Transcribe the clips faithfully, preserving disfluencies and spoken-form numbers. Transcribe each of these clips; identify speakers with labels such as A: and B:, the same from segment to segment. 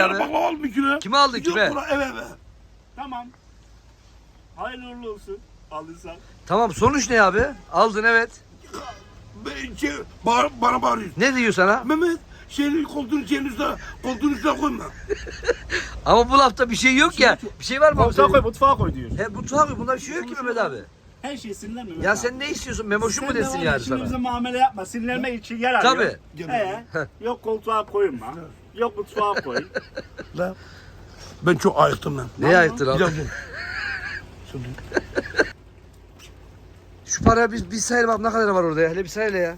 A: abi?
B: Baklava aldım bir kilo.
A: Kime aldın,
B: Yok,
A: kime?
B: bura, eve eve.
C: Tamam. Hayırlı uğurlu olsun. Aldıysan.
A: Tamam, sonuç ne abi? Aldın, evet.
B: Ben şey, bağır, bana bağırıyor.
A: Ne diyor sana?
B: Mehmet şeyini koltuğun şeyin üstüne, koltuğun üstüne koyma.
A: Ama bu lafta bir şey yok ya. Bir şey var mı?
C: Mutfağa koy, mutfağa koy diyor.
A: He, mutfağa koy. Bunda bir şey yok ki Mehmet abi.
C: Her şey sinirlenme. Mehmet
A: Ya
C: abi.
A: sen ne istiyorsun? Memoşum mu
C: Sen de
A: desin
C: var ya,
A: yani
C: şimdi
A: sana?
C: bize muamele yapma. Sinirlenmek için yer arıyor.
A: Tabii.
C: He. Yok koltuğa koyma. Yok mutfağa koy.
B: Lan. Ben çok ayıktım lan.
A: Neye ayıktın abi?
B: Güzel, güzel. Şurada.
A: Şu paraya bir, bir sayalım abi, ne kadar var orada ya? Hele bir sayla ya.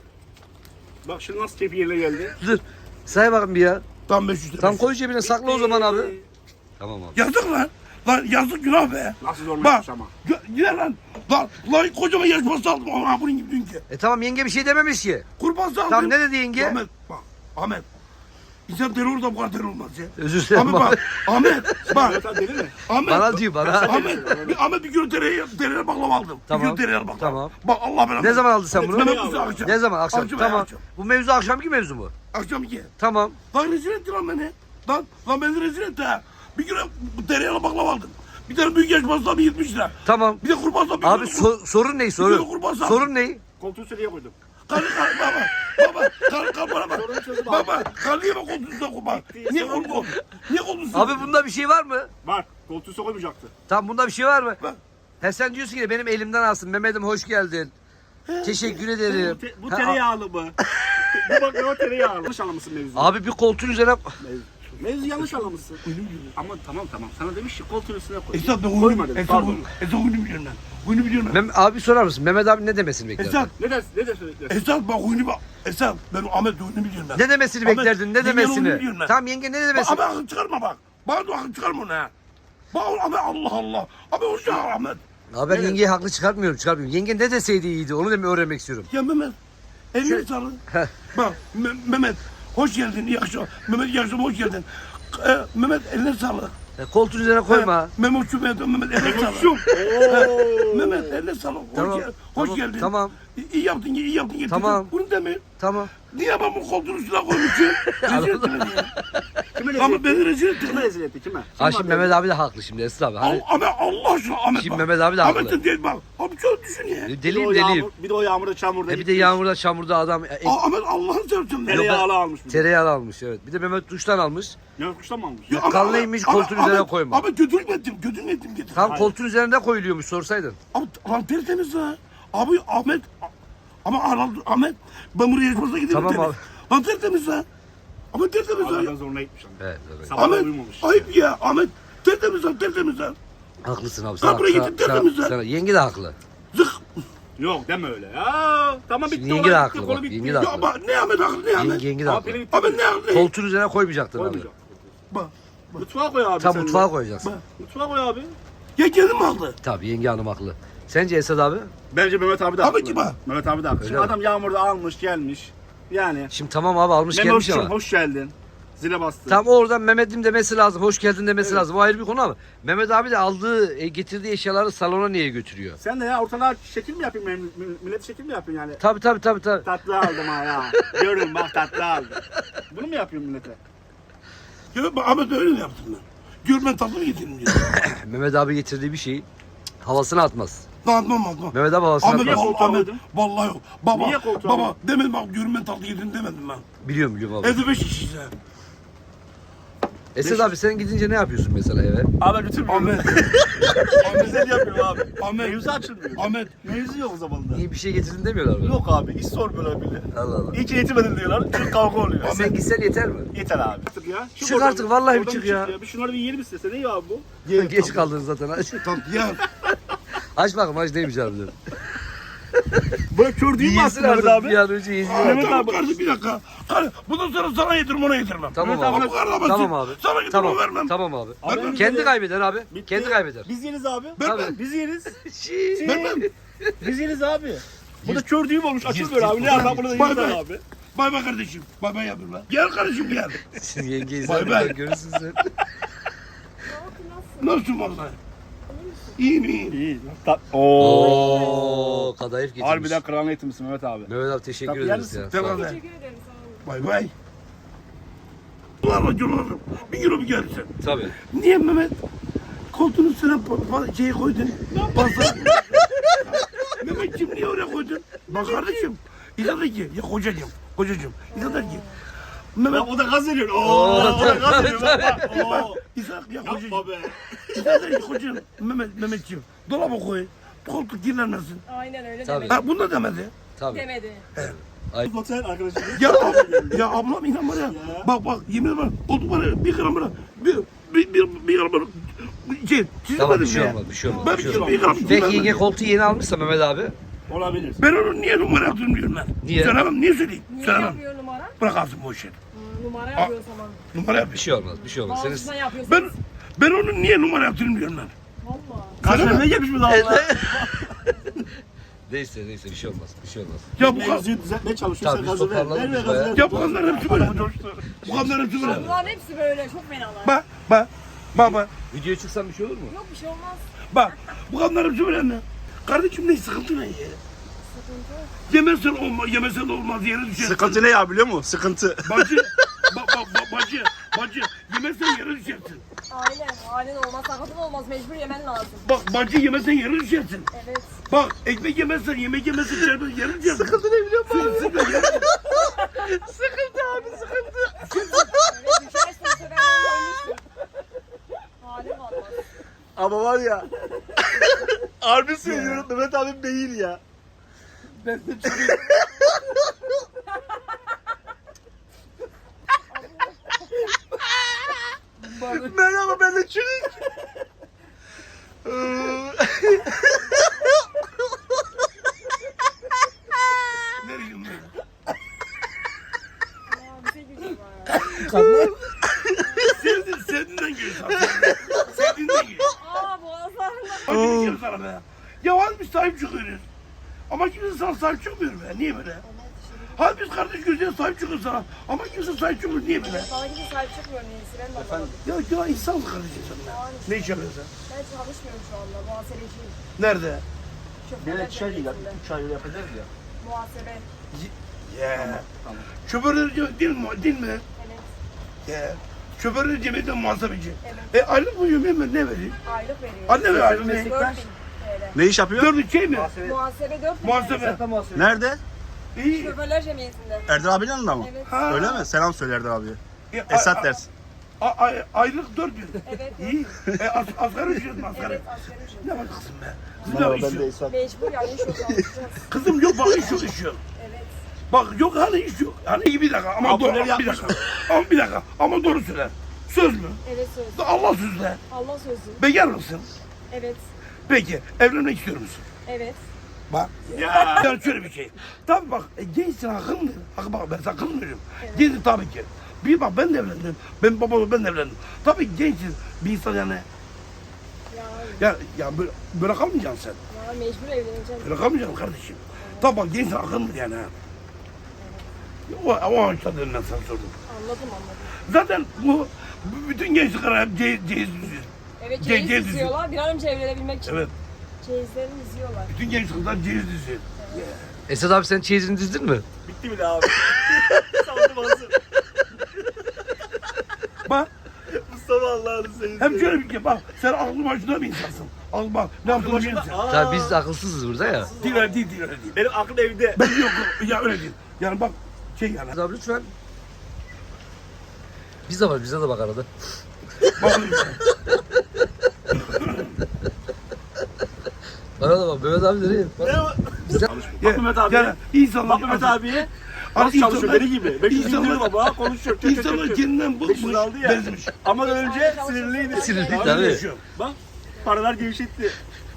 C: Bak şimdi nasıl keyfiyle geldi.
A: Dur. Say bakayım bir ya.
B: Tam beş yüz lira.
A: Tam koy cebine, sakla o zaman abi. Tamam abi.
B: Yazık lan. Lan yazık günah be.
C: Nasıl zorla
B: Bak.
C: yapmış ama.
B: gö- Gider lan. Lan, lan kocaman yaş pastası aldım. Ama bunun gibi dünkü.
A: E tamam, yenge bir şey dememiş ki.
B: Kurban aldım.
A: Tamam, ne dedi yenge?
B: Ahmet bak. Ahmet. İnsan terör da bu kadar terör olmaz ya.
A: Özür dilerim
B: Ahmet
A: abi.
B: bak. Ahmet bak.
C: Mehmet abi deli mi?
B: Ahmet.
A: Bana diyor, bana.
B: Ahmet. Bir, Ahmet bir kilo tereyağı, tereyağı baklava aldım.
A: Tamam,
B: Bir kilo tereyağı baklava.
A: tamam.
B: Bak Allah belanı.
A: Ne zaman aldın sen bunu?
B: Mehmet Musa akşam.
A: Ne zaman? Akşam.
B: Akşam,
A: Tamam.
B: akşam.
A: Bu mevzu akşamki mevzu mu?
B: Akşam iki.
A: Tamam.
B: Lan rezil etti lan beni. Lan, lan beni rezil etti ha. Bir kilo tereyağlı baklava aldım. Bir tane büyük yaş pastası bir yetmiş lira.
A: Tamam.
B: Bir de kurban bir
A: Abi
B: kilo-
A: so- sorun ne?
B: Bir
A: Sorun.
B: kilo kurban sağ.
A: Sorun ne?
C: Koltuğu sürüye koydum.
B: Kal, kal, baba, baba, kal, kal bana bak.
C: Sorunu çözüm abi.
B: Baba, kal niye bak koltuğuna kurban? Niye
C: sorun
B: koltuğuna? Niye koltuğuna?
A: Abi bunda bir şey var mı?
C: Var. Koltuğu sokulmayacaktı.
A: Tamam, bunda bir şey var mı?
B: Bak.
A: He, sen diyorsun ki benim elimden alsın. Mehmet'im hoş geldin. Teşekkür ederim.
C: Bu, te, bu
A: Ha,
C: tereyağlı mı? bu baklava tereyağlı. Yanlış anlamışsın mevzuyu.
A: Abi bir koltuğun üzerine...
C: Mevzu, mevzu yanlış anlamışsın. Ama tamam tamam. Sana demiş ki koltuğun üstüne koy.
B: Esat ben oyunu,
C: Koyma dedim.
B: Esat
C: Pardon.
B: oyunu, Esat oyunu biliyorum ben. Oyunu biliyorum ben.
A: Mem abi sorar mısın? Mehmet abi ne demesini beklerdin?
B: Esat,
C: Ne dersin? Ne dersin?
B: Esat bak oyunu bak. Esat ben Ahmet oyunu biliyorum ben.
A: Ne demesini
B: Ahmet,
A: beklerdin? Ne
B: yengenin oyunu
A: demesini?
B: biliyorum ben.
A: Tamam yenge, ne
B: Bak
A: demesini?
B: abi akıl çıkarma bak. Bana da akıl çıkarma onu ha. Bak Ahmet Allah Allah. Abi hoş geldin Ahmet.
A: Abi ben
B: Evet.
A: yengeyi haklı çıkartmıyorum, çıkarmıyorum. Yenge ne deseydi iyiydi, onu da öğrenmek istiyorum.
B: Ya Mehmet. Elini sağlık.
A: Heh.
B: Bak Me- Mehmet hoş geldin. İyi akşam. Mehmet iyi akşam hoş geldin. Ee, Mehmet eline sağlık.
A: E, koltuğun üzerine koyma.
B: Mehmet şu Mehmet Mehmet eline sağlık.
C: Ooo.
B: Mehmet eline sağlık. Hoş,
A: Tamam,
B: gel- hoş
A: tamam,
B: geldin.
A: tamam.
B: İyi, iyi yaptın, iyi yaptın. Getirdin.
A: Tamam.
B: Bunu deme.
A: Tamam.
B: Niye ben bu koltuğun üstüne koymuşum? Rezil ettin beni ya.
C: Kime rezil
B: Ama
C: etti?
B: beni rezil ettin.
C: Kime rezil etti? Kime?
A: Ha
C: Kim
A: şimdi
C: var
A: Mehmet abi de haklı şimdi Esra abi. Hani
B: Al, Ahmet Allah aşkına Ahmet
A: Şimdi
B: bak.
A: Mehmet abi de haklı.
B: Ahmet'in değil bak. Abi şöyle düşün ya.
C: Bir de o
A: deliyim deliyim.
C: yağmur- Bir de o yağmurda çamurda
A: E bir de
C: gitmiş.
A: yağmurda çamurda adam e,
B: Aa, Ahmet Allah'ını seversen. de.
C: Tereyağlı almış bir de.
A: tereyağı almış, evet. Bir de Mehmet duştan almış.
C: Ne kuştan mı almış?
B: Ya ama-
A: Kallıymış,
B: ama-
A: koltuğun üzerine
B: Ahmet-
A: koyma.
B: Ahmet götürük mü ettim? Götürük mü ettim? Getir.
A: Tam
C: Hayır.
A: koltuğun üzerinde koyuluyormuş, sorsaydın.
B: Abi lan tertemiz ha. Abi Ahmet. Ama Ahmet, Ahmet ben buraya yaşmasına gidelim.
A: Tamam
B: temiz. Lan tertemiz ha. Ama tertemiz ha.
C: Allah'tan zoruna gitmiş ama.
A: Evet, evet.
C: Sabah
B: Ahmet
C: uyumamış.
B: ayıp ya. Ahmet tertemiz ha tertemiz ha.
A: Haklısın abi.
B: Lan
A: Sana,
B: buraya
A: sana,
B: gidip
A: sana,
B: tertemiz ha.
A: sana- yenge de haklı.
B: Zık.
C: Yok deme öyle ya. Tamam bitti.
A: Şimdi yenge de
C: olay
A: haklı
C: bitti,
A: bak,
C: konu bitti.
A: yenge de
B: Ya
A: haklı.
B: bak ne Ahmet haklı ne Ahmet.
A: Yenge, yenge de
C: Ama
A: haklı.
C: pili bitti.
B: Ahmet ne haklı.
A: Koltuğun üzerine koymayacaktın abi.
C: Koymayacağım.
B: Bak.
C: Mutfağa koy abi
A: Tam
C: sen de.
A: mutfağa koyacaksın.
B: Bak.
C: Mutfağa koy abi.
B: Ya kendin mi aldı?
A: Tabii yenge hanım haklı. Sence Esad abi?
C: Bence Mehmet abi de
B: Abi
C: haklı.
B: kim ha?
C: Mehmet abi de haklı.
A: Öyle
C: Şimdi
A: mi?
C: adam yağmurda almış gelmiş. Yani.
A: Şimdi tamam abi, almış gelmiş
C: Memoş'cum
A: ama.
C: hoş geldin. Zile bastı.
A: Tam oradan Mehmet'im demesi lazım, hoş geldin demesi lazım. O ayrı bir konu ama Mehmet abi de aldığı, e, getirdiği eşyaları salona niye götürüyor?
C: Sen de ya ortalığa şekil mi yapayım? mem- mil- Millet şekil mi yapayım yani?
A: Tabii tabii tabii tabii.
C: Tatlı aldım ha ya. Görün bak tatlı aldım. Bunu mu yapıyorum millete?
B: Ya bak Ahmet öyle mi yaptın ben? Görmen tatlı mı getirdin diyor.
A: Mehmet abi getirdiği bir şeyi havasına atmaz.
B: Lan atmam atmam.
A: Mehmet abi havasına
B: Ahmet,
C: Niye
A: atmaz.
B: vallahi,
C: koltuğa
B: Ahmet,
C: koydun?
B: vallahi yok. Baba,
C: Niye koltuğa
B: baba
C: koydun?
B: demedim bak görmen tatlı getirdin demedim ben.
A: Biliyorum biliyorum abi.
B: Evde beş kişiyiz ha.
A: Esad abi sen gidince ne yapıyorsun mesela eve?
C: Abi bütün
B: Ahmet.
C: güzel yapıyorum abi.
B: Ahmet.
C: Mevzu açılmıyor.
B: Ahmet.
C: Mevzu yok o zamanında.
A: İyi bir şey getirdin demiyorlar mı?
C: Yok abi hiç sormuyorlar bile.
A: Allah Allah.
C: İyi ki eğitimedin diyorlar. Çünkü kavga oluyor.
A: Ya sen gitsen yeter mi?
C: Yeter abi. Çık ya.
A: Çık
C: oradan
A: artık, vallahi bir
C: oradan
A: çık ya.
C: Bir şunları bir yiyelim istese. Ne ya abi bu?
A: Geç kaldın zaten. Aç,
B: Tatlı ya.
A: aç bakalım, aç neymiş harbiden.
C: Böyle kör değil mi
A: Yesin
C: aslında Mehmet
A: artık,
C: abi?
A: bir an önce yesin.
B: Aa,
C: Mehmet
B: tamam
C: abi.
B: kardeşim bir dakika. Kardeşim, bundan sonra sana yedirmem ona yedirmem.
A: Tamam
C: Mehmet
A: abi.
B: Bu kadar basit.
A: Tamam abi.
B: Sana yedirmem
A: Tamam.
B: vermem.
A: Tamam abi.
C: Abi
B: Vermem.
C: biz
A: Kendi
C: yeriz.
A: kaybeder abi.
C: Bitti.
A: Kendi kaybeder.
C: Biz yeriz abi.
B: Vermem.
C: Biz yeriz.
A: Şiii.
B: Vermem.
C: Biz yeriz abi. Bu da kör düğüm olmuş. Açıl
A: Yüz-
C: böyle abi.
A: yüz-
C: Ne yapalım bunu da
B: Bay
C: yeriz
B: bay.
C: abi.
B: Bay bay kardeşim. Bay bay yapayım lan. Gel kardeşim gel.
A: Siz yengeyi
B: Bay bay.
A: sen görürsün sen.
B: Nasılsın vallahi? İyi mi? İyi.
C: İyi. Ta- Oo.
A: Oo, kadayıf getirmiş.
C: Harbiden kral eğitimsin Mehmet abi.
A: Mehmet abi teşekkür
C: Tatlı yer
A: ederiz
C: misin?
A: ya.
B: Tamam.
A: Sağ ol.
B: Bay bay. Dolarla dolarım. Bir kilo bir gelsin.
A: Tabii.
B: Niye Mehmet? Koltuğun üstüne pa- pa- şeyi koydun. Pasta. Mehmetciğim niye oraya koydun? Bak kardeşim. İnsan der ki, ya kocacığım, kocacığım. İnsan der ki, Mehmet,
D: O da gaz veriyor. Oo,
A: Oo,
D: o da gaz
A: tabii,
D: veriyor. Bak, bak.
B: bak,
D: Oo.
B: İnsan ya kocacığım.
D: Yapma be.
B: İnsan der ki, kocacığım, Mehmet, Mehmetciğim, dolaba koy. Koltuk kirlenmesin.
E: Aynen öyle
A: Tabii.
E: demedi.
B: Ha, bunu da demedi.
A: Tabii.
E: Demedi.
D: Otel arkadaşım.
B: Ya, ab- ya ablam inan bana ya. Bak bak yemin ederim koltuk var ya bir gram bana bir bir bir bir gram bana şey çizmedim
A: Tamam bir şey
B: ya.
A: olmaz, bir şey olmaz.
B: Ben
A: Bir
B: bir,
A: şey olmaz.
B: bir gram
A: Peki
B: çizmedim.
A: yenge koltuğu yeni almışsa Mehmet abi.
D: Olabilir.
B: Ben onu niye numara yaptım diyorum ben.
A: Niye?
B: Söylemem niye söyleyeyim?
E: Niye
B: Söylemem.
E: yapıyor numara?
B: Bırak alsın bu işi.
E: Hı, numara yapıyor o zaman.
B: Numara
A: Bir
B: yapıyor.
A: şey olmaz, bir şey olmaz. Senin
E: Bağımsızdan yapıyorsun.
B: Ben ben onun niye numara yaptığını diyorum ben.
E: Valla.
D: Kaç vermeye gelmiş mi daha Allah?
A: neyse neyse bir şey olmaz, bir şey olmaz.
B: Ya bu
D: Ne
B: kadar.
D: yazıyor düzeltmeye çalışıyor.
A: Tabii,
D: Sen
A: biz
D: gazı ver.
A: toparladık
D: Ver ver
A: biz
D: gazı
A: bayağı.
D: ver.
B: Ya bu kadınlar hepsi böyle. Bu kadınlar hepsi böyle.
E: Bunların hepsi böyle çok fenalar.
B: Bak bak bak bak
A: Videoya çıksam bir şey olur mu?
E: Yok bir şey olmaz.
B: bak. Bu kadınlar hepsi böyle mi? Kardeşim ne sıkıntı ne ya?
E: Sıkıntı.
B: Yemezsen olmaz, yemezsen olmaz yere düşersin.
D: Sıkıntı ne ya biliyor musun? Sıkıntı.
B: Bacı, ba, ba, ba, bacı, bacı, yemezsen yere düşersin.
E: Aynen. Aynen olmaz. Sakatın olmaz. Mecbur yemen lazım.
B: Bak bacı yemezsen yere düşersin.
E: Evet.
B: Bak ekmek yemezsen, yemek yemezsen şerbet yere düşersin. Sıkıntı ne biliyor musun? Sıkıntı, yere... sıkıntı abi sıkıntı.
E: Evet düşersin. Bu sefer ölürsün. Halim olmaz.
D: Ama var ya. Harbi söylüyorum Mehmet abim değil ya.
B: Ben de çıkıyorum.
D: Merhaba ben de çürük.
B: Ne diyeyim ben?
E: Aa, bir şey gücüm var.
B: Sevdin, sevdiğinden geliyor sana. Sevdiğinden geliyor.
E: Aa boğazlarında.
B: Bak ne diyeceğim sana be. Ya hadi biz sahip çıkıyoruz. Ama kimse sana sahip çıkmıyor be. Niye böyle? Hadi biz kardeş gözüne sahip çıkıyoruz sana. Ama kimse sahip çıkmıyor. Niye böyle?
E: Sana kimse sahip çıkmıyor neyse. Ben de anlamadım.
B: Ya ya insan kardeşim sen be. Ne iş yapıyorsun sen?
E: Ben çalışmıyorum şu anda. Muhasebeciyim.
B: Nerede?
E: Şoförler
D: Bir şey değil ya.
E: cemiyetinde.
D: Üç ay yapacağız ya.
E: Muhasebe.
B: Ya.
D: Tamam.
B: Şoförler cemiyeti değil mi? Değil mi?
E: Evet.
B: Ya. Şoförler cemiyeti muhasebeci.
E: Evet.
B: E aylık mı yiyor ne ne veriyor?
E: Aylık veriyor.
B: Anne ver aylık ne?
E: dört bin T L.
D: Ne iş yapıyor?
B: Dört şey mi?
E: Muhasebe dört bin
B: Muhasebe.
D: Nerede?
B: İyi.
E: Şoförler cemiyetinde.
D: Erdal abinin yanında mı?
E: Evet.
B: Ha.
D: Öyle mi? Selam söyle Erdal abiye.
B: E, a-
D: Esat
B: a-
D: ders.
B: a- a- aylık dört bin.
E: Evet.
B: İyi. E, as, asgari ücret mi asgari?
E: Evet asgari ücret.
B: Ne bak kızım be. Kızım yok iş yok.
D: Esat.
E: Mecbur yani iş yok çalışacağız.
B: Kızım yok bak iş yok iş yok.
E: Evet.
B: Bak yok hani iş yok. Hani iyi bir dakika ama
D: Abdüler
B: doğru bir
D: yapmış.
B: dakika. Ama bir dakika ama doğru söyle. Söz mü?
E: Evet söz.
B: Allah sözle.
E: Allah sözü.
B: Bekar mısın?
E: Evet.
B: Peki evlenmek istiyor musun?
E: Evet.
B: Bak. Ya. Yani şöyle bir şey. Tabii bak e, gençsin hakkındır. Hak bak ben sana kızmıyorum.
E: Evet.
B: Gençsin tabii ki. Bir bak ben de evlendim. Ben babamla ben de evlendim. Tabii gençsin. Bir insan yani
E: Ya,
B: ya, ya böyle, böyle kalmayacaksın sen.
E: ya mecbur evleneceğim.
B: Böyle kalmayacaksın kardeşim. Tabii bak gençsin hakkındır yani ha. O, o ağaçta dedim ben sana sordum.
E: Anladım anladım.
B: Zaten bu, bu bütün gençlikler hep ceyiz ceyiz düzüyor.
E: Evet
B: Ge-
E: ceyiz
B: ceyiz
E: diziyorlar. Bir an önce evlenebilmek için.
B: Evet.
E: Ceyizlerini diziyorlar.
B: Bütün gençlikler ceyiz düzüyor.
A: Esat abi sen çeyizini dizdin mi?
D: Bitti bile abi. Sandım hazır.
B: Bak
D: Mustafa Allah'ını seveyim.
B: hem şöyle bir şey bak sen aklı başında bir insansın. Al bak ne yaptığını bilirsin.
A: Tabii biz akılsızız burada ya.
B: Değil öyle değil değil öyle değil.
D: Benim aklım evde.
B: Ben yok ya öyle değil. Yani bak şey yani.
A: Esat abi lütfen. Biz de var, bize de bak arada.
B: Bak,
A: Arada bak, Mehmet abi nereye? Bak.
D: Ne o?
A: Bize...
B: ya,
D: Mehmet abi.
B: Yani insanlar
D: Bak Mehmet abiye.
B: Abi
D: Nasıl çalışıyor
B: insanlar-
D: beni gibi. beş yüz
B: insanlar-
D: indirdim baba konuşuyor. Çö çö
B: İnsanlar
D: çö çö.
B: kendinden
D: beş yüz
B: bıkmış,
D: aldı ya.
B: bezmiş.
D: Ama önce sinirliydi.
A: Sinirli
B: Abi
A: tabii.
B: yaşıyor.
D: Bak paralar gevşetti.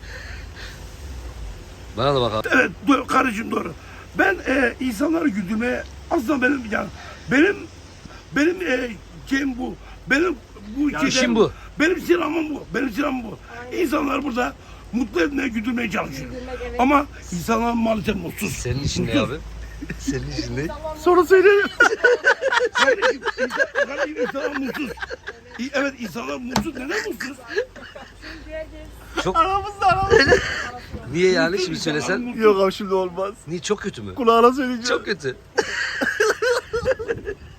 A: Bana da bak abi.
B: Evet doğru, kardeşim doğru. Ben e, insanları güldürmeye aslında benim yani benim benim e, şeyim bu. Benim bu
A: Yani işim bu.
B: Benim silahım bu. Benim silahım bu.
E: Aynen.
B: İnsanlar burada mutlu etmeye, güldürmeye çalışıyor.
E: Güldürmek, evet.
B: Ama insanlar maalesef mutsuz.
A: Senin işin ne abi? Senin işin ne?
E: Tamam.
D: Sonra söyleyeyim.
B: Kardeşim, insan- kardeşim insanlar mutsuz. İ- Evet insanlar mutsuz. Neden mutsuz?
E: Çünkü herkes
A: Çok...
D: Aramızda aramızda.
A: Niye yani şimdi söylesen?
D: Yok abi şimdi olmaz.
A: Niye çok kötü mü?
D: Kulağına söyleyeceğim.
A: Çok kötü.
B: Ne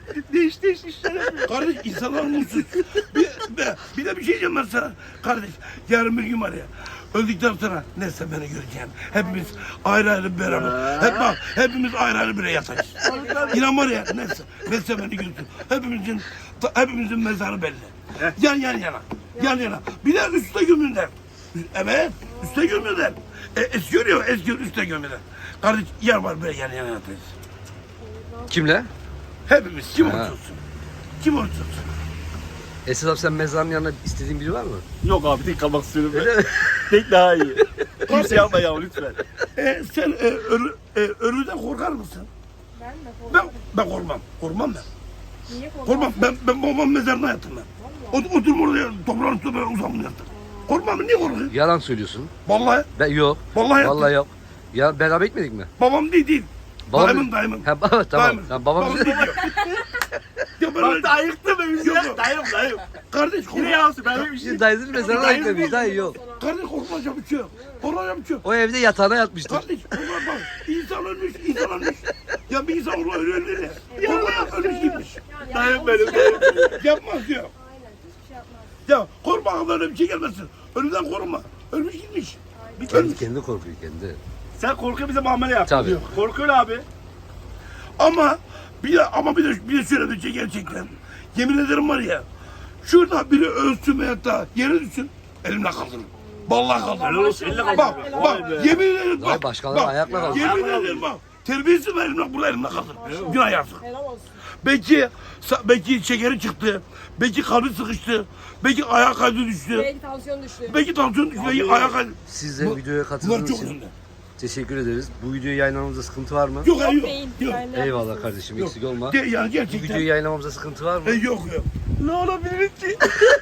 C: işte işte işte.
B: Kardeş insanlar mutsuz. Bir, bir, bir de bir şey diyeceğim ben sana. Kardeş yarın bir gün var ya. Öldükten sonra neyse beni göreceksin. Hepimiz ayrı ayrı beraber. Hep bak hepimiz ayrı ayrı bire yatacağız. İnan var ya neyse. Neyse beni görsün. Hepimizin hepimizin mezarı belli. Yan yan yana. Yan yana. Bir de üstte gömüller. Evet. Üstte gömüller. E, esiyor ya esiyor üstte gömüller. Kardeş yer var böyle yan yana yatacağız.
A: Kimle?
B: Hepimiz kim
A: Ha.
B: olursa olsun. Kim olursa olsun.
A: Esat abi sen mezarın yanına istediğin biri var mı?
D: Yok abi tek kalmak istiyorum ben.
A: Öyle mi?
D: Tek daha iyi. Kimse yapma ya lütfen.
B: E, sen e, ölü, e, ölüden korkar mısın?
E: Ben de
B: Ben
E: korkarım.
B: ben korkmam. Korkmam ben.
E: Niye korkarsın?
B: Korkmam. Ben ben babamın mezarına yattım ben. Ot, oturup oraya toprağın üstüne böyle uzandım yattım. Korkmam. Niye korkuyorsun?
A: Yalan söylüyorsun.
B: Vallahi.
A: Ben yok.
B: Vallahi yaptım.
A: Vallahi yok. Ya beraber gitmedik mi?
B: Babam değil değil.
A: Babam-
B: Dayımın dayımın.
A: Ha, baba, tamam.
B: Dayımın.
A: Ha, babam
B: Babam değil. Ya ben
D: Bak
B: öyle-
D: da ayıktı be bizi
B: Yok,
D: ya.
B: yok.
D: Dayım dayım.
B: Kardeş
D: Yine
B: korkma.
D: yansın ben öyle bir şey.
A: Dayısının mezarına
D: Dayı
A: gitmemiş. Dayı yok.
B: Kardeş korkmayacak bir şey yok. Korkmayacak bir şey yok.
A: O evde yatağına yatmıştır.
B: Kardeş korkma bak. İnsan ölmüş, insan ölmüş. Ya bir insan olur öyle ölür ya. Korkma ölmüş gitmiş.
E: Yani
D: Dayım
E: yanlış
D: benim,
E: şey
D: dayım
E: yapmaz.
B: Yapmaz diyor.
E: Aynen hiçbir şey yapmaz.
B: Ya korkma aklına öyle bir şey gelmesin. Ölümden korkma. Ölmüş gitmiş.
A: Bir kendi, kendi korkuyor kendi.
D: Sen korkuyor bize muamele yap.
A: Tabii.
B: Yok.
D: Korkuyor abi.
B: Ama bir de ama bir de bir de şöyle bir şey gerçekten. Yemin ederim var ya. Şurada biri ölsün veyahut da yere düşsün. Elimle kaldırırım. Vallahi
D: Helal
B: kaldırırım.
D: olsun elle
B: Bak
D: kaldı.
B: bak
D: Vay be.
B: yemin ederim
A: Vay
B: bak.
A: başkaları
B: bak,
A: ayakla kaldı.
B: Yemin
D: Ayakla
B: ederim bak. Terbiyesiz ben elimle burada elimle kaldırırım. Günah yazık.
E: Helal olsun.
B: Belki belki şekeri çıktı. Belki kalbi sıkıştı. Belki ayağa kaydı düştü.
E: Belki tansiyon düştü.
B: Belki tansiyon düştü. Belki ayağa kaydı.
A: Siz de
B: Bu-
A: videoya
B: Bunlar
A: katıldığınız
B: çok
A: için
B: önemli.
A: teşekkür ederiz. Bu videoyu yayınlamamızda sıkıntı var mı?
B: Yok
E: Yok
B: yok.
E: değil.
B: Yok.
E: Yani ne
A: Eyvallah
E: yapıyorsunuz?
A: kardeşim
B: Yok.
A: eksik olma.
B: De, yani
A: Bu
B: gerçekten.
A: videoyu yayınlamamızda sıkıntı var mı?
B: E, yok yok.
D: Ne olabilir ki?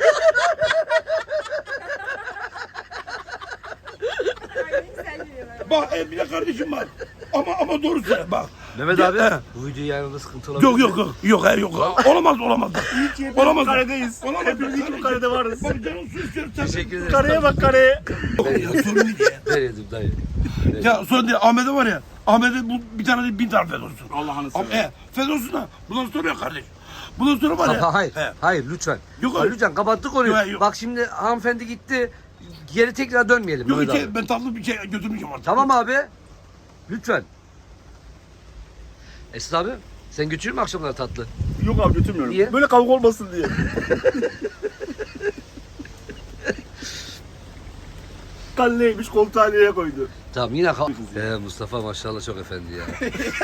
E: Aynen sen geliyor.
B: Bak e, bir de kardeşim var. Ama ama doğru söyle bak.
A: Mehmet
B: Ya,
A: abi
B: he.
A: bu videoyu yayınlamamızda sıkıntı olabilir
B: Yok
A: mi?
B: yok yok. Yok he, yok. Olamaz olamaz.
D: İyi ki hepimiz
B: Olamaz.
D: bu karedeyiz.
B: Olamaz.
D: Hepimiz iyi ki bu karede varız.
B: Bak canım su istiyorum. Sen
A: Teşekkür ederiz.
D: Kareye bak kareye.
B: Yok ya sorun değil ya.
A: Ver yedim dayı.
B: Ya sorun değil. Ahmet'e var ya. Ahmet'e bu bir tane değil bin tane fed olsun.
D: Allah'ını
B: Ama
D: seversen.
B: e, fed olsun da. Bundan sonra ya kardeş. Bundan sonra var ya.
A: Kapa, hayır.
B: He.
A: Hayır lütfen.
B: Yok,
A: Ha,
B: hayır.
A: lütfen kapattık konuyu.
B: Yok, hayır, yok.
A: Bak şimdi hanımefendi gitti. Geri tekrar dönmeyelim
B: Yok
A: Mehmet
B: hiç,
A: abi.
B: ben tatlı bir şey götürmeyeceğim artık.
A: Tamam abi. Lütfen. Esra abi sen götürür mü akşamları tatlı?
D: Yok abi götürmüyorum.
A: Niye?
D: Böyle kavga olmasın diye. Kalleymiş koltuğa niye koydu?
A: Tamam yine kal. Ee, Mustafa maşallah çok efendi ya.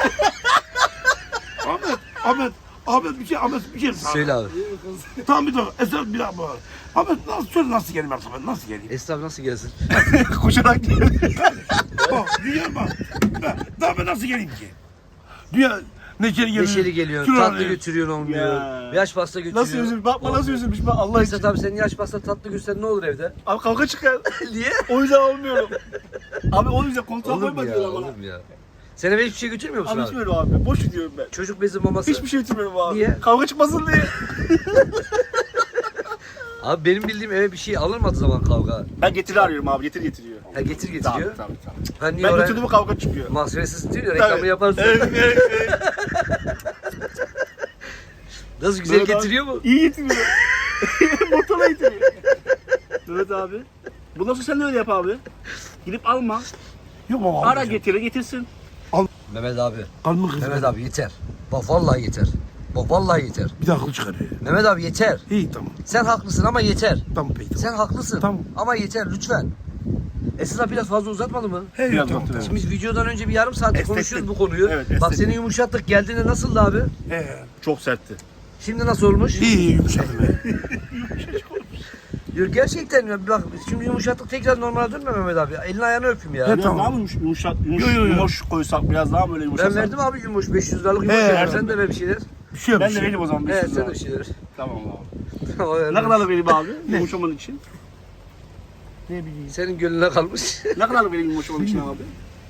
B: Ahmet, Ahmet, Ahmet bir şey, Ahmet bir şey.
A: Söyle abi.
B: Tamam bir dakika. Esra bir dakika. Ahmet nasıl söyle nasıl geleyim artık ben nasıl geleyim?
A: Esra abi nasıl gelsin?
D: Koşarak geldi.
B: Bak dünya bak. Ben, daha ben nasıl geleyim ki? Dünya neşeli geliyor.
A: Neşeli geliyor,
B: şuraya
A: tatlı
B: geliyor.
A: götürüyorsun olmuyor.
D: Ya.
A: Yaş pasta götürüyor.
D: Nasıl üzülmüş? Bakma nasıl üzülmüş bak Allah için.
A: Esat abi senin yaş pasta tatlı götürsen ne olur evde?
D: Abi kavga çıkar.
A: Niye?
D: O yüzden olmuyorum. Abi o yüzden koltuğa
A: Olur mu
D: koyma
A: ya?
D: diyorlar bana.
A: Olur mu ya? Sen eve hiçbir şey götürmüyor musun
D: Abi
A: abi?
D: içmiyorum abi. Boş gidiyorum ben.
A: Çocuk bezi maması.
D: Hiçbir şey götürmüyorum abi.
A: Niye?
D: Kavga çıkmasın diye.
A: Abi benim bildiğim eve bir şey alınmadığı zaman kavga.
D: Ben getiri arıyorum abi. Getir getiriyor.
A: Ha getir getiriyor.
D: Tabii tabii tabii.
A: Ben niye
D: Ben
A: oraya
D: götürdüm kavga çıkıyor.
A: mahsulesiz değil ya reklamı
D: Tabii.
A: yaparız.
D: Evet, evet, evet.
A: Nasıl güzel
D: Evet abi.
A: getiriyor mu?
D: İyi getiriyor. Motorla getiriyor. Evet abi. Bundan sonra sen de öyle yap abi. Gidip alma.
B: Yok baba.
D: Ara getire getirsin.
A: Mehmet abi.
B: Kalbimi kızım.
A: Mehmet abi yeter. Bak vallahi yeter. Bak vallahi yeter.
B: Bir daha akıl çıkarıyor.
A: Mehmet abi yeter.
B: İyi tamam.
A: Sen haklısın ama yeter.
B: Tamam peki tamam.
A: Sen haklısın.
B: Tamam.
A: Ama yeter lütfen. Esra abi biraz fazla uzatmadı mı?
B: He,
D: Biraz
B: tamam.
D: baktım.
A: Şimdi biz videodan önce bir yarım saat
D: Estettim.
A: konuşuyoruz bu konuyu.
D: Evet,
A: Bak
D: estettim.
A: seni yumuşattık geldiğinde nasıldı abi?
B: He.
D: Çok sertti.
A: Şimdi nasıl olmuş?
B: İyi iyi yumuşadım be.
A: Yok gerçekten ya bak şimdi yumuşattık tekrar normale dönme Mehmet abi. Elini ayağını öpeyim ya.
B: Evet.
D: Biraz
B: tamam.
D: daha mı yumuş, yumuşak, yumuş,
B: Yo, yo, yo.
D: yumuş koysak biraz daha mı böyle yumuşasak?
A: Ben verdim abi yumuş beş yüz liralık yumuş.
B: He,
A: verdim.
B: evet.
A: Sen de ver bir şeyler.
B: Bir şey yok.
D: Ben
B: bir
D: de
B: şey
D: vereyim o zaman beş
A: Evet
D: yüz
A: sen de
D: lira.
A: bir şeyler.
D: Tamam abi.
A: O
D: Ne kadar vereyim abi yumuşaman için?
B: Ne bileyim.
A: Senin gönlüne kalmış.
D: Ne kadar vereyim yumuşaman için abi?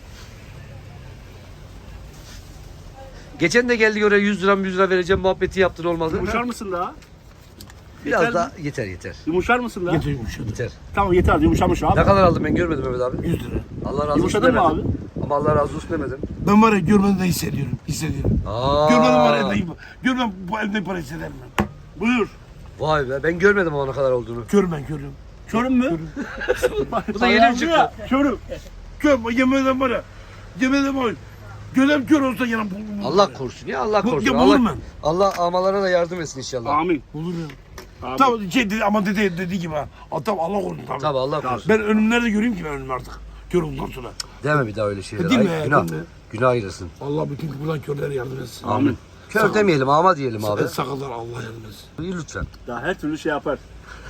A: Geçen de geldik oraya yüz lira yüz lira vereceğim muhabbeti yaptın olmadı.
D: Yumuşar mısın daha?
A: Biraz
D: Yeter
A: daha yeter yeter.
D: Yumuşar mısın daha?
B: Getir yumuşadı.
A: Yeter.
D: Tamam yeter yumuşamış abi.
A: Ne kadar aldım ben görmedim Mehmet abi.
B: yüz lira.
A: Allah razı olsun.
D: Yumuşadın mı
A: demedim.
D: abi?
A: Ama Ama Allah razı olsun demedim.
B: Ben var ya görmeden de hissediyorum. Hissediyorum.
A: Aa.
B: Görmeden var ya elimde. Görmeden bu elimde para hissederim ben. Buyur.
A: Vay be ben görmedim o ne kadar olduğunu.
B: Kör ben körüm.
D: Körüm mü?
A: Bu da yeni mi çıktı?
B: Körüm. Kör. Yemeden var ya. Yemeden var ya. Gözüm kör olsa yanım bulurum.
A: Allah korusun ya Allah
B: Bu-
A: korusun.
B: ya
A: Allah,
B: bulurum ben.
A: Allah amalara da yardım etsin inşallah.
D: Amin.
B: Bulurum.
D: Amin.
B: Tamam şey dedi ama dedi dediği gibi ha. Aa, tamam Allah korusun tabii.
A: Tabii Allah korusun.
B: Ben önümü nerede göreyim ki ben önümü artık. Kör olduktan sonra.
A: Deme bir daha öyle şeyler.
B: Değil mi?
A: Ay, günah.
B: Değil mi?
A: Günah ayırsın.
B: Allah bütün buradan körlere yardım etsin.
A: Amin. Kör demeyelim ama diyelim abi.
B: Sakallar Allah yardım etsin.
A: İyi lütfen.
D: Daha her türlü şey yapar.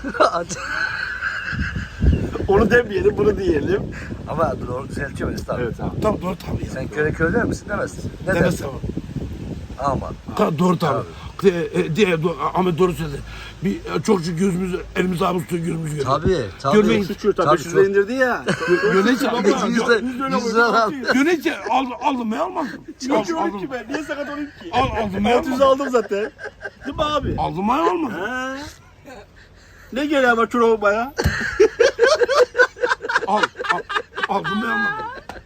D: Onu demeyelim, bunu diyelim.
A: ama doğru düzeltiyor Mesut abi.
D: Evet abi.
B: Tamam doğru tabii ya.
A: Sen köre kör der misin? Demezsin. Ne
B: Demez
A: dersin?
B: tamam.
A: Ama.
B: Ta, doğru tabii. E, e, diye, do, Ahmet doğru söyledi. Bir e, çok şu gözümüz, elimiz ağımız tutuyor, gözümüz görüyor.
A: Tabii. Tabii.
B: Görmeyin.
D: Suçu tabii,
A: Tabii,
D: beş yüz
A: çok-
D: indirdi ya.
B: Yönetici baba.
A: Yüz lira- yüz lira al.
B: Yönetici aldım, aldım ben almadım.
D: Niye
B: Al-
D: ki olayım
B: aldım.
D: ki ben? Niye sakat olayım ki?
B: Al, aldım ben
D: altı yüz
B: almadım.
D: aldım zaten. Değil mi abi?
B: Aldım ben almadım.
D: He. Ne geliyor ama çorabıma ya?
B: Al, al, aldım ben almadım.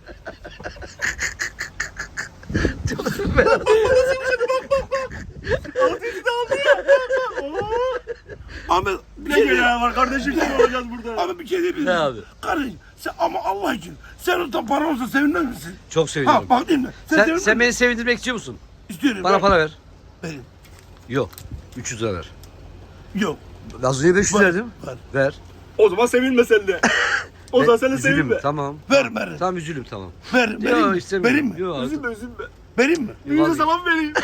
D: altı yüz de aldı ya. Oo.
B: Ahmet bir
D: Ne
B: şey
D: geliyor
B: diyeyim.
D: var kardeşim, kim olacağız burada?
B: Ahmet bir şey diyebilir
A: Ne
B: miyim?
A: abi?
B: Kardeşim sen ama Allah için sen orada para olsa sevinmez misin?
A: Çok
B: Ha
A: seviniyorum.
B: bak değil mi? Sen,
A: Sen,
B: sevinmez
A: sen
B: misin?
A: beni sevindirmek istiyor musun?
B: İstiyorum.
A: Bana
B: ver.
A: para ver.
B: Verin.
A: Yok. üç yüz lira ver.
B: Yok.
A: Az önce beş yüz
B: Ver,
A: verdim.
B: ver.
A: Ver.
D: O zaman sevinme sen de. O zaman sen de
A: Üzülüm.
D: sevinme.
A: Tamam.
B: Ver, ver.
A: Tamam üzülüm tamam.
B: Ver, vereyim
A: Yok
B: mi?
A: istemiyorum.
B: Vereyim mi?
A: Yok,
D: Üzülme üzülme.
B: Vereyim mi?
D: Yüzü zaman vereyim.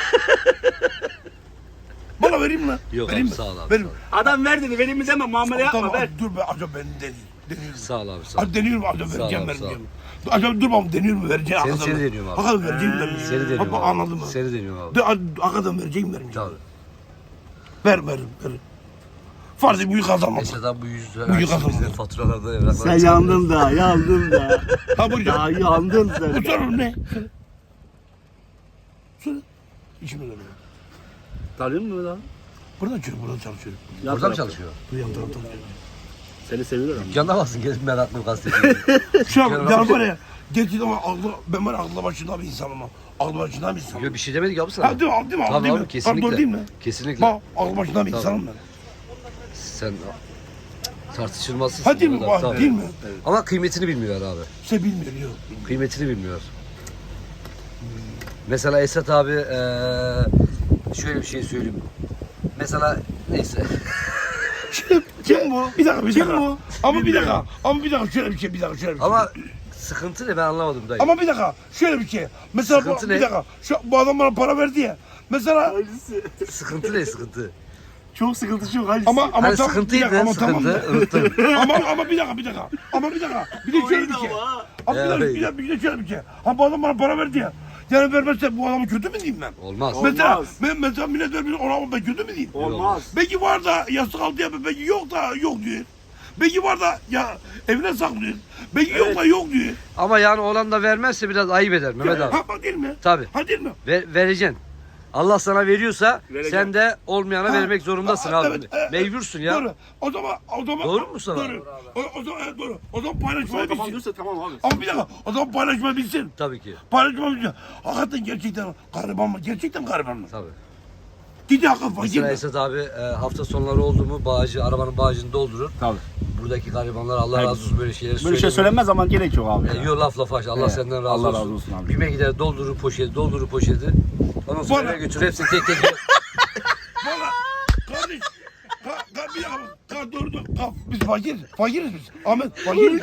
B: Bana vereyim mi?
A: Yok
B: vereyim
A: abi,
B: mi?
A: sağ ol abi,
B: Vereyim.
A: sağ ol.
D: Adam ver dedi, vereyim mi deme, muamele yapma,
B: Tamam,
D: ver.
B: dur be acaba ben deneyim. Deniyorum.
A: Sağ ol abi sağ ol.
B: Hadi deniyorum acaba
A: Sağ ol
B: vereceğim
A: abi, sağ ol.
B: vermeyeceğim. Acaba dur bakalım deniyor mu vereceğim.
A: Seni-
B: hakikaten
A: seni
B: mi?
A: deniyorum abi.
B: Hakikaten vereceğim vermeyeceğim.
A: Seni deniyorum
B: Bak,
A: abi.
B: anladın mı?
A: Seni deniyorum abi.
B: De, hakikaten vereceğim vermeyeceğim.
A: Tabii.
B: Ver ver ver. Farz et büyük kazanmam.
A: Eşyadan bu yüz
B: Bu
A: lira
B: yıkasın
A: bizden
B: bunu.
A: faturalarda evraklar.
D: Sen yandın da, yandın da.
B: Ha bu
D: Ya yandın
B: Bu
D: sen.
B: sorun ne? Söyle. İşime dönüyor.
D: Tanıyor musun lan?
B: Burada çalışıyorum, burada çalışıyorum.
D: Yan
A: Orada mı
D: tarafta.
A: çalışıyor?
B: Bu yan tarafta çalışıyorum.
D: Seni seviyorum.
A: Dükkanda baksın gelip meraklı gazeteci.
B: Şu an yani var ya, gerçekten ama aklı, ben var ya aklı başında bir insanım ama. Aklı başında bir insanım.
A: Yok bir şey demedik abi sana.
B: Ha değil mi? Değil mi?
A: Tabii
B: değil
A: abi
B: mi?
A: kesinlikle.
B: Ha, doğru değil mi?
A: Kesinlikle.
B: Bak aklı başında bir
A: Tabii.
B: insanım ben.
A: Sen tartışılmazsın.
B: Ha değil mi? Bak,
A: Tabii.
B: değil mi?
A: Ama kıymetini bilmiyor abi.
B: Şey bilmiyor yok.
A: Kıymetini bilmiyor. Mesela Esat abi eee, şöyle bir şey söyleyeyim. Mesela neyse.
B: Kim bu? Bir dakika bir
D: Kim
B: dakika.
D: bu?
B: Ama bir dakika. Ama bir dakika şöyle bir şey bir dakika şöyle bir şey.
A: Ama sıkıntı ne ben anlamadım dayı.
B: Ama bir dakika şöyle bir şey. Mesela bu,
A: Sıkıntı
B: bir
A: ne?
B: dakika. Şu, bu adam bana para verdi ya. Mesela
D: Halisi.
A: Sıkıntı ne sıkıntı?
D: Çok sıkıntı çok halisi.
B: ama ama
A: Hani
B: tam- bir
A: sıkıntıydı
B: dakika, ama tamam
A: sıkıntı
B: da.
A: unuttum.
B: ama ama bir dakika bir dakika. Ama bir dakika. Bir de şöyle bir şey.
D: ama.
B: Ama bir
A: Ya,
B: dakika bir
A: ya.
B: dakika bir de şöyle bir şey. Ha bu adam bana para verdi ya. Yani vermezse bu adamı kötü mü diyeyim ben?
A: Olmaz.
D: Olmaz.
B: Mesela ben mesela millet vermiyor ona ben kötü mü diyeyim?
D: Olmaz.
B: Belki var da yastık altı yapıyor, belki yok da yok diyor. Belki var da ya evine saklıyor. Belki yok da yok diyor.
A: Ama yani olan da vermezse biraz ayıp eder Mehmet abi.
B: Ha bak değil mi?
A: Tabii.
B: Ha değil mi?
A: Ver, vereceksin. Allah sana veriyorsa
D: Vereceğim.
A: sen de olmayana
B: Ha,
A: vermek zorundasın
B: ha,
A: abi.
B: evet, e,
A: Mecbursun ya.
B: Doğru. O zaman o zaman
A: Doğru mu sana?
B: Doğru. O, o zaman evet, doğru. O zaman
D: Sonra
B: paylaşmayı
D: tamam
B: bilsin.
D: diyorsa tamam abi.
B: Ama bir dakika. O zaman paylaşmayı bilsin.
A: Tabii ki.
B: Paylaşmayı bilsin. Hakikaten gerçekten gariban mı? Gerçekten gariban mı?
A: Tabii.
B: Gidi hakikaten fakir
A: Mesela
B: mi?
A: Esat abi e, hafta sonları oldu mu bağcı, arabanın bağcını doldurur.
D: Tabii.
A: Buradaki garibanlar Allah
D: Hayır.
A: razı olsun böyle şeyleri
D: Böyle şey
A: söylemiyor.
D: söylenmez ama gerek yok abi.
A: E,
D: ya.
A: Yok laf laf aç. Allah
D: Evet.
A: senden razı
D: Allah
A: olsun.
D: razı olsun abi.
A: Bime gider doldurur poşeti, doldurur poşeti. Ondan sonra
B: Bana-
A: eve götür hepsini tek tek.
B: Valla kardeş. Ka, ka, bir dakika. Ka, doğru doğru. Ka, biz fakiriz. Fakiriz biz. Ahmet fakiriz.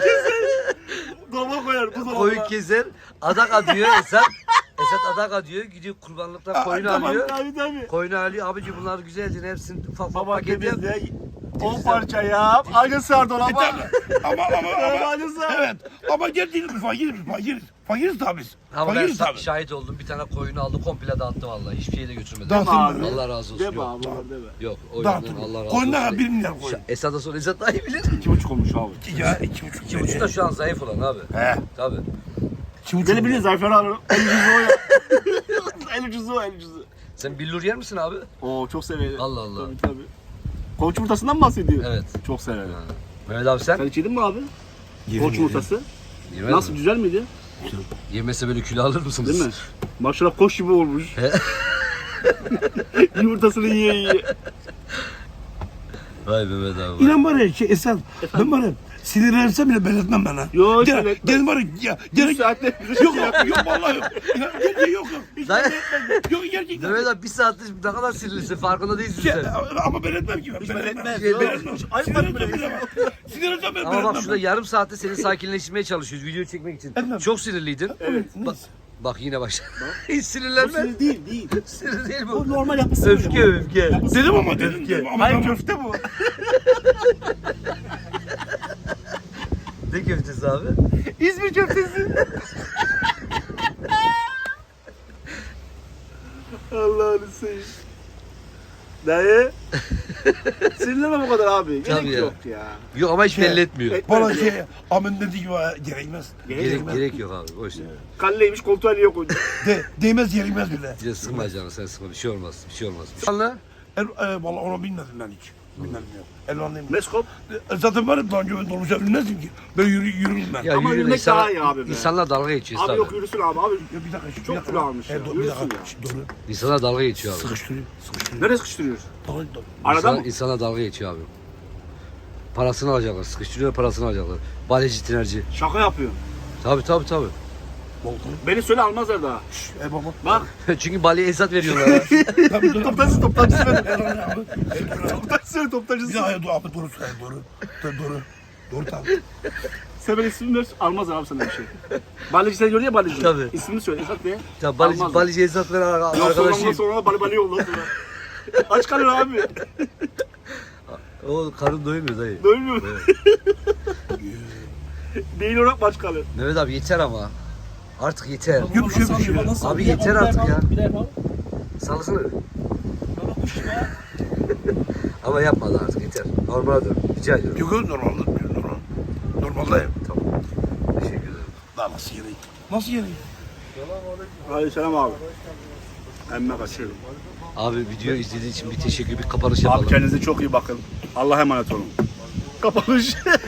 D: Dolaba koyar bu dolaba.
A: Koyun keser, adak adıyor Esat. Esat adak adıyor, gidiyor kurbanlıktan
B: Aa,
A: koyunu
B: tamam,
A: alıyor.
D: Tabii tabii.
A: Koyunu alıyor, abici bunlar güzeldi hepsini ufak ufak
D: Baba
A: paket yap.
D: temizle. on parça yap. Aynı sar dolaba.
B: Tabii. ama ama ama.
D: Aynı sar.
B: Evet. Ama gerçekten biz fakiriz. Biz fakiriz. Fakiriz tabii biz.
A: Ama ben
B: Fakiriz
A: sa-
B: tabii.
A: şahit oldum, bir tane koyunu aldı komple dağıttı vallahi, hiçbir şey de götürmedi.
B: Dağıttın
D: Abi.
B: mı?
A: Allah razı olsun.
D: Deme
A: Yok,
D: abi onlar deme.
A: yok o yüzden
B: Dağıttın.
A: Allah razı
B: Koyun ne kadar?
A: olsun.
B: Bir milyar koyun.
A: Şa- Esat'a sonra Esat daha iyi bilir.
D: İki buçuk olmuş abi.
B: Ya iki buçuk.
A: İki buçuk da şu an zayıf olan abi.
B: He.
A: Tabii.
B: İki buçuk.
D: Beni bilin Zayfer abi. El ucuzu o ya. El ucuzu o el ucuzu.
A: Sen billur yer misin abi?
D: Oo çok severim.
A: Allah Allah.
D: Tabii tabii. Koç yumurtasından mı bahsediyor?
A: Evet.
D: Çok severim.
A: Mehmet abi sen?
D: Sen hiç yedin mi abi?
B: Yedim,
D: Koç
B: yedim.
D: yumurtası.
A: Yemedin
D: Nasıl
A: mi?
D: güzel miydi?
A: Yemese böyle kilo alır mısınız?
D: Değil mi? Maşallah koş gibi olmuş. Yumurtasını yiye yiye.
A: Vay Mehmet abi.
B: İnan var ya şey Esat, ben var ya sinirlensem bile belirtmem ben ha.
D: Yo,
B: Gel,
D: sinirlenmez.
B: gel var ya, ya,
D: Bir
B: gerek
D: saatte
B: yok yok yok vallahi yok. Ya, gerçekten yok yok. Hiç
A: Dayı-
B: belirtmem. Yok gerçekten.
A: Mehmet abi bir saattir ne kadar sinirlisin farkında değilsin
B: Ya,
A: sen.
B: ama belirtmem ki ben. Belirtmem.
A: Şey,
B: Belirtmem.
D: Ayıp
B: Sinirlensem
D: bile.
B: bilemem. Sinirlensem bile
A: Ama bak
B: belirtmem.
A: şurada yarım saatte seni sakinleştirmeye çalışıyoruz video çekmek için.
B: Etmem.
A: Çok sinirliydin.
B: Evet.
A: Bak, bak yine başladı. Hiç
D: Bu
A: sinirlenme.
D: sinir değil, değil.
A: Sinir değil
D: Bu
A: bu.
D: normal yapısı.
A: Öfke öfke.
B: Dedim ama dedim. dedim ama
D: Hayır
B: tamam.
D: köfte bu.
A: Ne köftesi abi?
D: İzmir köftesi. Allah'ını seveyim. Dayı. Sinirlenme bu kadar abi. Gerek
A: Tabii ya.
D: yok ya.
A: Yok ama hiç
B: Şey,
A: belli etmiyor.
D: et-
B: Bana şey amin dediği gibi ha, gerekmez.
A: Gerek, gerek yok abi. Boş ver.
D: Kalleymiş koltuğa niye koydun?
B: De, değmez gerekmez bile.
A: Bir de sıkma canım sen sıkma. Bir şey olmaz. Bir şey olmaz. Anla.
B: El, e, vallahi onu bilmedim ben hiç. Bilmedim ya. Elvanlıyım.
D: Meskop.
B: E, zaten var ya daha önce ben dolmuşa bilmezdim ki. Ben yürü, yürürüm ben.
A: Ya
D: Ama
A: yürüme,
D: yürümek
A: insanlar-
D: daha iyi abi be.
A: İnsanlar dalga geçiyor.
D: Abi
A: tabii.
D: yok yürüsün abi abi.
B: Ya bir dakika. şu-
D: Çok
B: bir dakika.
D: kilo almış ya,
B: E, do- bir
D: yürüsün
B: dakika.
D: ya.
B: Şu, Doğru.
A: İnsanlar dalga geçiyor abi.
B: Sıkıştırıyor. Sıkıştırıyor.
D: Nereye sıkıştırıyoruz?
B: Doğru, doğru.
D: Arada
A: İnsan,
D: mı?
A: İnsanlar dalga geçiyor abi. Parasını alacaklar. Sıkıştırıyor parasını alacaklar. Baleci, tinerci.
D: Şaka yapıyor.
A: Tabii tabii tabii.
B: Volkan.
D: Beni söyle almazlar daha.
B: Şşş, E baba.
D: Bak.
A: Çünkü baleye esat veriyorlar. ha.
B: Tabii dur.
D: Toptancısı toptancısı söyle.
B: Erhan abi. Erhan abi.
D: Toptancısı söyle
B: Bir
D: toptancısı.
B: daha ya, dur abi doğru söyle doğru. Doğru doğru. Doğru tabii.
D: Sen böyle ismini ver almazlar abi sana bir şey. Balıcı sen gördün ya balıcı.
A: Tabii.
D: İsmini söyle Esat ne?
A: Ya baleci,
D: Almazlar.
A: baleci esat veren
D: Yok sonra
A: arkadaşıyım.
D: sonra bali bali yolla sonra. Aç kalır abi.
A: O karın doymuyor dayı.
D: Doymuyor.
A: Evet.
D: Beyin olarak aç kalır.
A: Mehmet abi yeter ama. Artık yeter.
B: Yok bir şey bir şey.
A: Abi yeter artık ya.
D: Bir daha yapalım.
A: Salsana. Ama yapmadı artık yeter. Normale dön. Rica ediyorum.
B: Yok yok normalde. Normal. Normaldeyim.
A: Tamam. Teşekkür ederim.
B: Daha nasıl yeri? Nasıl yeri?
D: Hadi selam abi. Emme kaçıyorum.
A: Abi video izlediğin için bir teşekkür, bir kapanış
D: Abi
A: yapalım.
D: kendinize çok iyi bakın. Allah'a emanet olun. Kapanış.